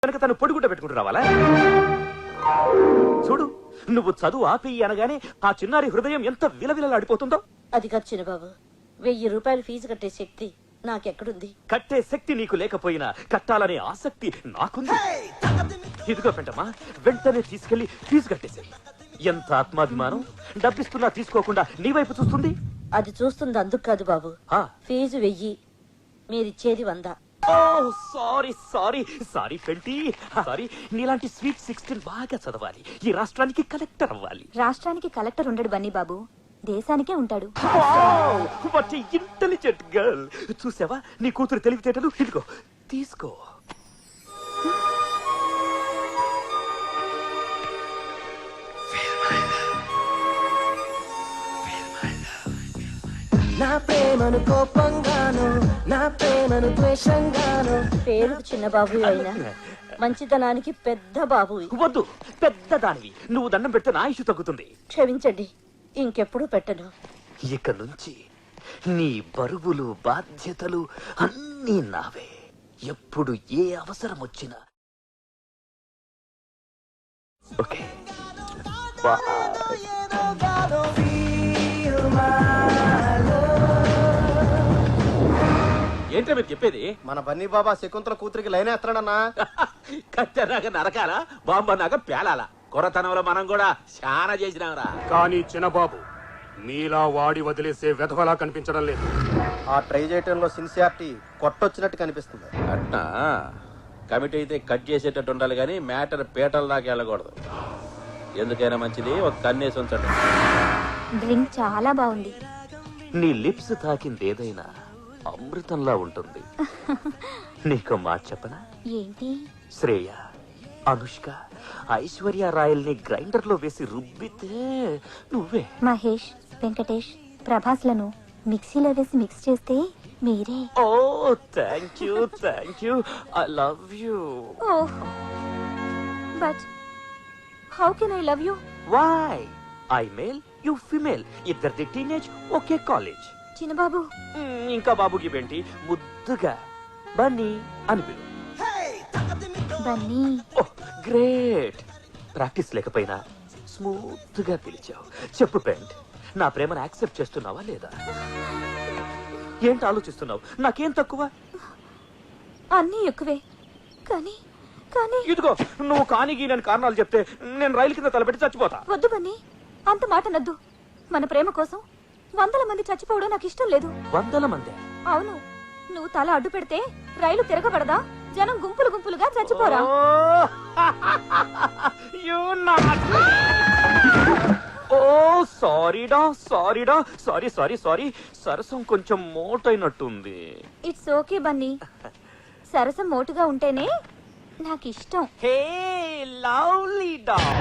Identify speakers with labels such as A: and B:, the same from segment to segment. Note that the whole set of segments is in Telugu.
A: కనుక తను పొడిగుడ్డ పెట్టుకుంటూ రావాలా? చూడు, నువ్వు చదువు ఆపేయి అనగానే ఆ చిన్నారి హృదయం ఎంత విలవిలలాడిపోతుందో.
B: అది కాదు చిన్నబాబు, 1000 రూపాయలు ఫీజు కట్టే శక్తి నాకెక్కడుంది?
A: కట్టే శక్తి నీకు లేకపోయినా కట్టాలనే ఆసక్తి నాకుంది. ఇదిగో పెంటమ్మా, వెంటనే తీసుకెళ్లి ఫీజు కట్టేశాయి. ఎంత ఆత్మాభిమానం! డబ్బిస్తున్నా తీసుకోకుండా నీ వైపు చూస్తుంది.
B: అది చూస్తుంది అందుకు కాదు బాబు,
A: ఆ,
B: ఫీజు 1000, మీరిచ్చేది 100.
A: ఓ సారీ సారీ సారీ పెంటి, సారీ. నీలాంటి స్వీట్ 16 బాగా చదవాలి, ఈ రాష్ట్రానికి కలెక్టర్ అవ్వాలి.
C: రాష్ట్రానికి కలెక్టర్ ఉండడు బన్నీ బాబు, దేశానికే ఉంటాడు.
A: What intelligent girl. చూసావా నీ కూతురు తెలివితేటలు? ఇదిగో తీసుకో.
D: నా ప్రేమను కోపంగాను, నా ప్రేమను ద్వేషంగాను.
B: పేరుకు చిన్న బాబు అయినా మంచితనానికి పెద్ద బాబు.
A: వద్దు, పెద్ద దానివి. నువ్వు దండం పెడితే నా ఆయుష్ తగ్గుతుంది.
B: క్షమించండి, ఇంకెప్పుడు పెట్టను.
A: ఇక నుంచి నీ బరువులు బాధ్యతలు అన్నీ నావే. ఎప్పుడు ఏ అవసరం వచ్చినా. ఓకే,
E: ఏంటో మీరు చెప్పేది?
D: మన బన్నీ బాబా శకుంతల కూతురికి లైన్ వేస్తాడన్నా.
E: కత్తెనాక నరకాల, బాంబన్నాక పేలాల. కొరతనంలో మనం కూడా చాలా చేసినాంరా.
F: కానీ చిన్నబాబు మీలా వాడి వదిలేసే వెధవలా కనిపించడం లేదు.
D: ఆ ట్రై చేయటంలో సిన్సియారిటీ కొట్టొచ్చినట్టు కనిపిస్తుంది.
E: అట్నా? కమిటీ అయితే కట్ చేసేటట్టు ఉండాలి కానీ మ్యాటర్ పీటల దాకా వెళ్ళకూడదు. ఎందుకైనా మంచిది ఒక కన్నేసి ఉంచండి.
C: డ్రింక్ చాలా బాగుంది.
A: నీ లిప్స్ తాకింది ఏదైనా అమృతంలా ఉంటుంది. నీకు మాట చెప్పనా?
C: ఏంటి?
A: శ్రేయ, అనుష్క, ఐశ్వర్య రాయల్ని గ్రైండర్ లో వేసి రుబ్బితే నువ్వే.
C: మహేష్, వెంకటేష్, ప్రభాస్లను మిక్సీలో వేసి మిక్స్ చేస్తే మీరే.
A: Oh thank you, thank you, I love you.
C: Oh, but how can I love you?
A: Why? I male, you female, ఇద్దరిది టీనేజ్, ఒకే కాలేజ్.
C: చిన్నబాబు,
A: ఇంకా బాబుకి ఏంటి? ముద్దుగా బన్నీ అని పిలు.
C: బన్నీ.
A: Oh great. ప్రాక్టీస్ లేకపోయినా స్మూత్ గా పిలిచావు. చెప్పు పెంట్, నా ప్రేమను యాక్సెప్ట్ చేస్తున్నావా లేదా? ఏంటి ఆలోచిస్తున్నావు? నాకేం తక్కువ?
C: అన్నీ ఎక్కువే, కానీ కానీ
A: ఇదిగో, నువ్వు కానిగి నేను కారణాలు చెప్తే నేను రైలు కింద తలపెట్టి చచ్చిపోతా.
C: వద్దు బన్నీ, అంత మాట నద్దు. మన ప్రేమ కోసం 100 మంది చచ్చిపోవడం నాకు ఇష్టం లేదు.
A: 100 మంది?
C: అవును, నువ్వు తల అడ్డు పెడితే రైలు తిరగబడదా? జనం గుంపులు గుంపులుగా చచ్చిపోరా?
A: ఓ సారీడా, సారీడా, సారీ సారీ సారీ. సరసం కొంచెం మోటైనట్టుంది.
C: ఇట్స్ ఓకే బన్నీ, సరసం మోటుగా ఉంటేనే నాకు ఇష్టం.
A: Hey lovely dog.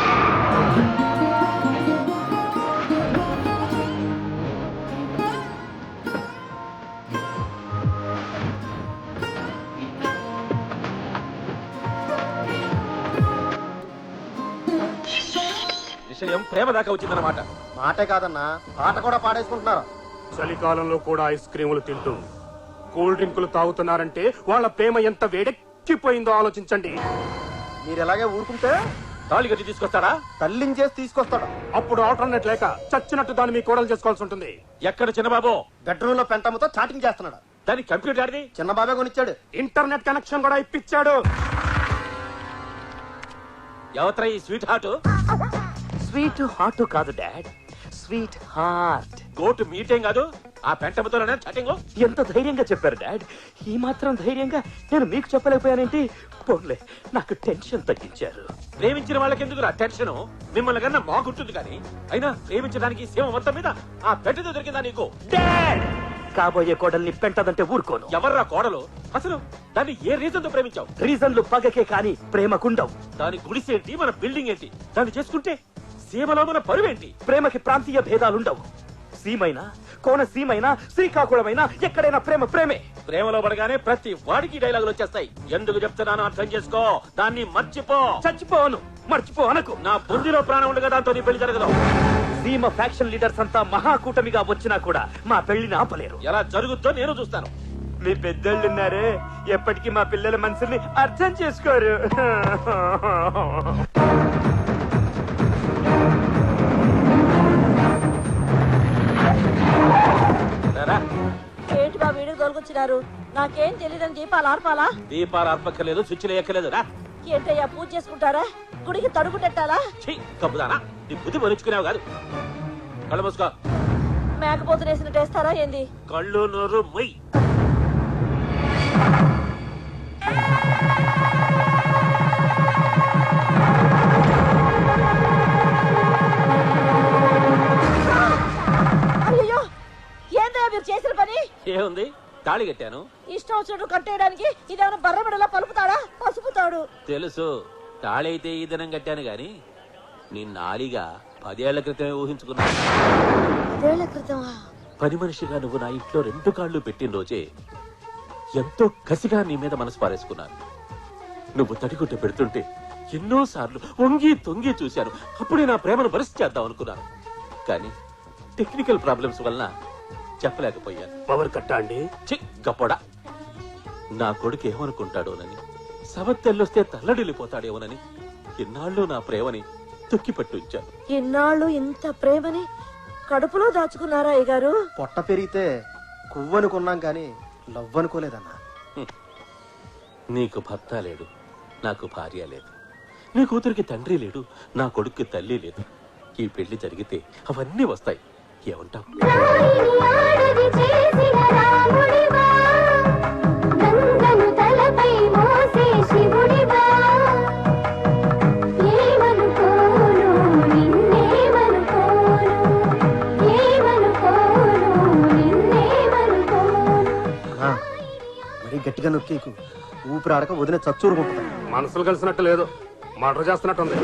E: విషయం ప్రేమ దాకా వచ్చిందన్నమాట.
D: మాటే కాదన్నా, పాట కూడా పాడేసుకుంటున్నారు.
F: చలికాలంలో కూడా ఐస్ క్రీములు తింటూ కూల్ డ్రింకులు తాగుతున్నారంటే వాళ్ళ ప్రేమ ఎంత వేడెక్కిపోయిందో ఆలోచించండి.
D: మీరు ఎలాగే ఊరుకుంటే
E: తాళి కట్టి తీసుకొస్తాడా?
D: తల్లించేసి తీసుకొస్తాడు.
F: అప్పుడు ఆల్టర్నేట్ లేక చచ్చినట్టు దాన్ని మీ కోడలు చేసుకోవాల్సి ఉంటుంది.
E: ఎక్కడ చిన్నబాబు?
D: బెడ్రూమ్ లో పెంటమ్మతో చాటింగ్ చేస్తున్నాడు.
E: దానికి కంప్యూటర్ ఆడిది
D: చిన్న బాబే కొనిచ్చాడు.
F: ఇంటర్నెట్ కనెక్షన్ కూడా ఇప్పించాడు.
E: ఎవత్రా ఈ స్వీట్ హార్ట్?
A: స్వీట్ హార్ట్ కాదు డాడ్, స్వీట్ హార్ట్.
E: గోటు మీటింగ్ కాదు, ఆ పెంటమతోనే చాటింగ్.
A: ఎంత ధైర్యంగా చెప్పారు డాడ్. ఈ మాత్రం ధైర్యంగా నేను మీకు చెప్పలేకపోయానేంటి? పోన్లే, నాకు టెన్షన్ తగ్గించారు.
E: ప్రేమించిన వాళ్ళకి ఎందుకు టెన్షన్? మిమ్మల్ని కన్నా మాకుంటుంది కానీ. అయినా ప్రేమించడానికి సీమ మొత్తం మీద ఆ పెంటతో దొరికిందా నీకు?
A: డాడ్, కాబోయే కోడల్ని పెంటదంటే ఊరుకోను.
E: ఎవర్రా కోడలు? అసలు దాన్ని ఏ రీజన్ తో ప్రేమించావు?
A: రీజన్లు పగకే కాని ప్రేమకుండవు.
E: దాని గుడిసేంటి, మన బిల్డింగ్ ఏంటి? దాన్ని చేసుకుంటే సీమలో మన పరువేంటి?
A: ప్రేమకి ప్రాంతీయ భేదాలుండవు. సీమైనా, కోనసీమైనా, శ్రీకాకుళమైనా ఎక్కడైనా ప్రేమ ప్రేమే.
E: ప్రేమలో పడగానే ప్రతి వాడికి డైలాగులు వచ్చేస్తాయి. ఎందుకు చెప్తున్నానో అర్థం చేసుకో. దాన్ని మర్చిపో.
A: చచ్చిపోను, మర్చిపో అనకు.
E: నా బుద్ధిలో ప్రాణం ఉండగా దాంతో నీ పెళ్లి జరగదు.
A: సీమ ఫ్యాక్షన్ లీడర్స్ అంతా మహాకూటమిగా వచ్చినా కూడా మా పెళ్లిని ఆపలేరు.
E: ఎలా జరుగుద్దో నేను చూస్తాను.
A: మీ పెద్దోళ్ళు ఉన్నారే ఎప్పటికీ మా పిల్లల మనసుని అర్థం చేసుకోరు.
E: రారా.
B: ఏంటి బాబు వీడికి తోలుకొచ్చినారు? నాకేం తెలియదని దీపాలు ఆర్పాలా?
E: దీపాలు అర్పక్కర్లేదు, స్విచ్లు ఎక్కలేదు. రా
B: ఏంటయ్యా పూజ చేసుకుంటారా? గుడికి తడుగు పెట్టాలా?
E: ఛీ, కప్పుదానా నీ బుద్ధి మరుచుకునేవు కాదు. కళ్ళు మూసుకో.
B: మేకపోతులు వేసినట్టు వేస్తారా ఏంది?
E: కళ్ళు నోరు మొయ్.
B: అయ్యో ఏందయ్యా మీరు చేసిన పని?
E: ఏముంది, తాళి కట్టాను.
B: ఇష్టం వచ్చినట్టు కట్టేయడానికి ఇదేమైనా బర్రబిడలా పలుపుతాడా పసుపుతాడు?
E: తెలుసు, తాళి అయితే ఈ దినం కట్టాను గాని నీ నాలిగా 10 ఏళ్ల క్రితమే ఊహించుకున్నాను.
B: 10 ఏళ్ల క్రితమా?
E: పని మనిషిగా నువ్వు నా ఇంట్లో 2 కాళ్ళు పెట్టిన రోజే ఎంతో కసిగా నీ మీద మనసు పారేసుకున్నాను. నువ్వు తడిగుడ్డ పెడుతుంటే ఎన్నోసార్లు వంగి తొంగి చూశాను. అప్పుడే నా ప్రేమను బరిసి చేద్దాం అనుకున్నాను. కానీ టెక్నికల్ ప్రాబ్లమ్స్ వలన చెప్పలేకపోయాను.
F: పవర్ కట్టా అండి.
E: చి గప్పడా, నా కొడుకు ఏమనుకుంటాడోనని, సవత్తెల్లొస్తే తల్లడిల్లిపోతాడేమోనని ఇన్నాళ్ళు నా ప్రేమని తొక్కిపట్టు ఉంచాను.
B: ఇన్నాళ్ళు ఇంత ప్రేమని కడుపులో దాచుకున్నారా అయ్యగారు?
D: పొట్ట పెరిగితే కొవ్వనుకున్నాం కానీ లవ్ అనుకోలేదన్నా.
E: నీకు భర్త లేడు, నాకు భార్య లేదు. నీ కూతురికి తండ్రి లేడు, నా కొడుక్కి తల్లి లేదు. ఈ పెళ్లి జరిగితే అవన్నీ వస్తాయి. ఏమంటావు?
D: అన్నా, మరీ గట్టిగా నొక్కేకు, ఊపిరాడక వదిన చచ్చూరుకుంటుంది.
F: మనసులు కలిసినట్టు లేదు, మర్డర్ చేస్తున్నట్టుంది.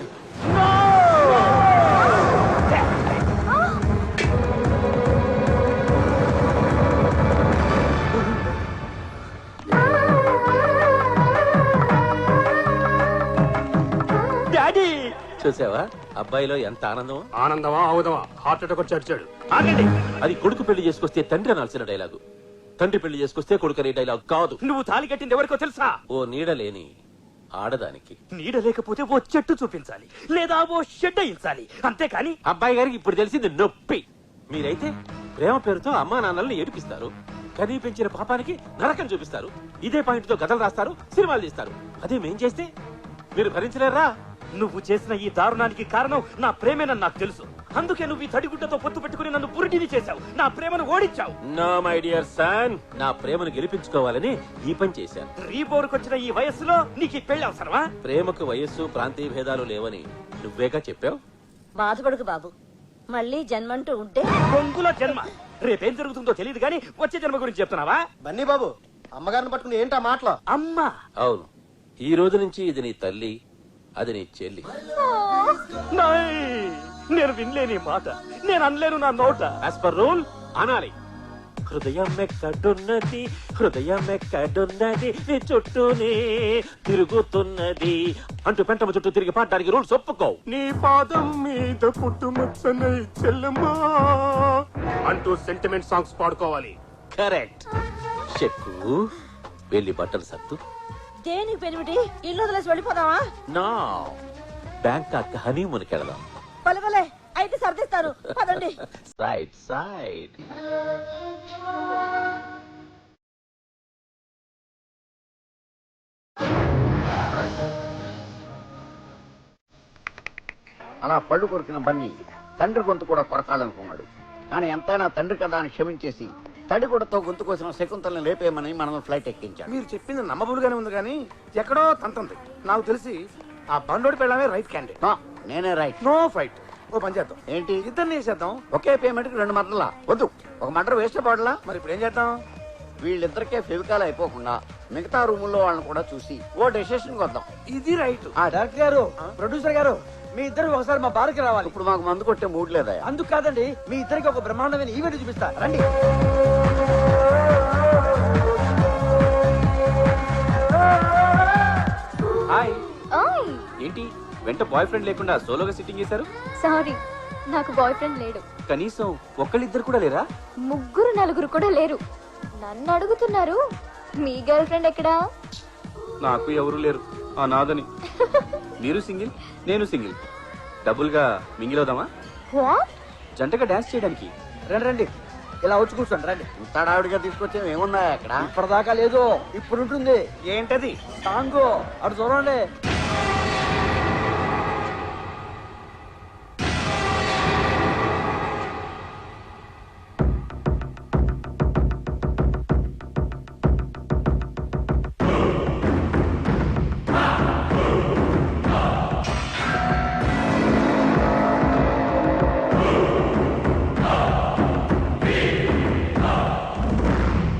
A: డాడీ
E: చూసావా అబ్బాయిలో ఎంత ఆనందం.
F: ఆనందమా ఆవుదమా హార్ట్ అటాక్ వచ్చి అడిచాడు.
A: ఆగండి.
E: అది కొడుకు పెళ్లి చేసుకొస్తే తండ్రి అనాల్సిన డైలాగు, తండ్రి పెళ్లి చేసుకొస్తే కొడుకు అనే డైలాగ్ కాదు.
A: నువ్వు తాళి కట్టింది ఎవరికో తెలుసా?
E: ఓ నీడ లేని ఆడదానికి.
A: నీడ లేకపోతే ఓ చెట్టు చూపించాలి, లేదా ఓ షెడ్ అయించాలి, అంతేకాని
E: అబ్బాయి గారికి ఇప్పుడు తెలిసింది నొప్పి. మీరైతే ప్రేమ పేరుతో అమ్మా నాన్నల్ని ఏడిపిస్తారు, కనీ పెంచిన పాపానికి నరకం చూపిస్తారు. ఇదే పాయింట్ తో కథలు రాస్తారు, సినిమాలు తీస్తారు. అదే మేం చేస్తే మీరు భరించలేరా?
A: నువ్వు చేసిన ఈ దారుణానికి కారణం నా ప్రేమేనని నాకు తెలుసు. అందుకే నువ్వు ఈ తడిగుడ్డతో పొత్తు పెట్టుకుని నన్ను పురిటిని చేశావు, నా ప్రేమను ఓడించావు.
E: నో మై డియర్ సన్, నా ప్రేమను గెలిపించుకోవాలని ఈ పని చేశాను.
A: రీబోరుకొచ్చిన ఈ వయస్సులో నీకు ఈ పెళ్లి అవసరమా?
E: ప్రేమకు వయస్సు ప్రాంతీయ భేదాలు లేవని నువ్వేగా చెప్పావు.
B: బాధపడకు బాబు, మళ్ళీ జన్మంటూ ఉంటే
A: బొంగుల జన్మ. రేపేం జరుగుతుందో తెలియదు గానీ వచ్చే జన్మ గురించి చెప్తున్నావా?
D: బన్నీ బాబు, అమ్మగారిని పట్టుకుని ఏంటా మాటలు?
A: అమ్మా,
E: అవును, ఈ రోజు నుంచి ఇది నీ తల్లి, అది నీ చెల్లి.
A: నాయ్, నేను వినలేని మాట, నేను అనలేను నా నోట.
E: యాజ్ పర్ రూల్ అనాలి. హృదయం ఎక్కడున్నది, హృదయం ఎక్కడున్నది, నీ చుట్టూనే తిరుగుతున్నది అంటూ పెంటమ చుట్టూ తిరిగి పాడడానికి రూల్స్ ఒప్పుకో.
F: నీ పాదం మీద పుట్టుమచ్చనై చెల్లమ్మా అంటూ సెంటిమెంట్ సాంగ్స్ పాడుకోవాలి.
E: కరెక్ట్. చెక్కు వెళ్ళి బట్టలు సత్తు.
B: దేనికి పెనిమిటి? ఇల్లు వదిలేసి వెళ్ళిపోదామా?
E: నా బ్యాంకాక్ హనీమూన్కి వెళదాం.
B: పలవలే, అయితే సర్దిస్తాను, పదండి.
E: Side side.
G: అలా పళ్ళు కొరికిన బన్నీ తండ్రి గొంతు కూడా కొరకాలనుకున్నాడు. కానీ ఎంతైనా తండ్రి కదా అని క్షమించేసి తడిగుడతో గొంతు కోసిన శకుంతల్ని లేపేయమని మనం ఫ్లైట్ ఎక్కించాడు.
H: మీరు చెప్పింది నమ్మబులుగానే ఉంది కానీ ఎక్కడో తంతుంది. నాకు తెలిసి ఆ బండోడి పెళ్ళమే రైట్ క్యాండిడేట్.
G: నో, నేనే రైట్.
H: No fight. ఓ పని చేద్దాం,
G: ఏంటి?
H: ఇద్దరిని వేసేద్దాం.
G: ఒకే పేమెంట్ కి 2 మర్డర్లా? వద్దు, ఒక మర్డర్ వేస్ట్ పడలా.
H: మరి ఇప్పుడు ఏం చేద్దాం?
G: వీళ్ళిద్దరికే ఫెవికాల్ అయిపోకుండా మిగతా రూముల్లో వాళ్ళని కూడా చూసి ఓ డెసిషన్ వద్దాం.
H: ఇది రైట్.
I: ఆ డైరెక్టర్ గారు, ప్రొడ్యూసర్ గారు, మీ ఇద్దరు ఒకసారి మా బార్కి రావాలి.
G: ఇప్పుడు మాకు మందు కొట్టే మూడ్ లేదా?
I: అందుకు కాదండి, మీ ఇద్దరికి ఒక బ్రహ్మాండమైన ఈవెంట్ చూపిస్తా, రండి.
E: హాయ్. ఏంటి వెంట బాయ్ ఫ్రెండ్ లేకుండా సోలోగా సిట్టింగ్ చేశారు?
C: సారీ, నాకు బాయ్ ఫ్రెండ్ లేడు.
E: కనీసం ఒక్కళ్ళిద్దరు కూడా లేరా?
C: 3, 4 కూడా లేరు. నన్ను అడుగుతున్నారు మీ గర్ల్ ఫ్రెండ్ ఎక్కడా?
J: నాకు ఎవరు లేరు ఆ నాదని. మీరు సింగిల్, నేను సింగిల్. డబుల్ గా మింగిల్ అవుదామా?
C: వాట్?
J: జంటగా డాన్స్ చేయడానికి.
I: రండి రండి, ఇలా వచ్చి కూర్చోండి రండి.
G: ఇంత డావిడిగా తీసుకొచ్చేవి ఏమున్నాయి అక్కడ?
I: ఇప్పటిదాకా లేదు, ఇప్పుడు ఉంటుంది.
H: ఏంటది?
I: సాంగ్ అటు చూడండి.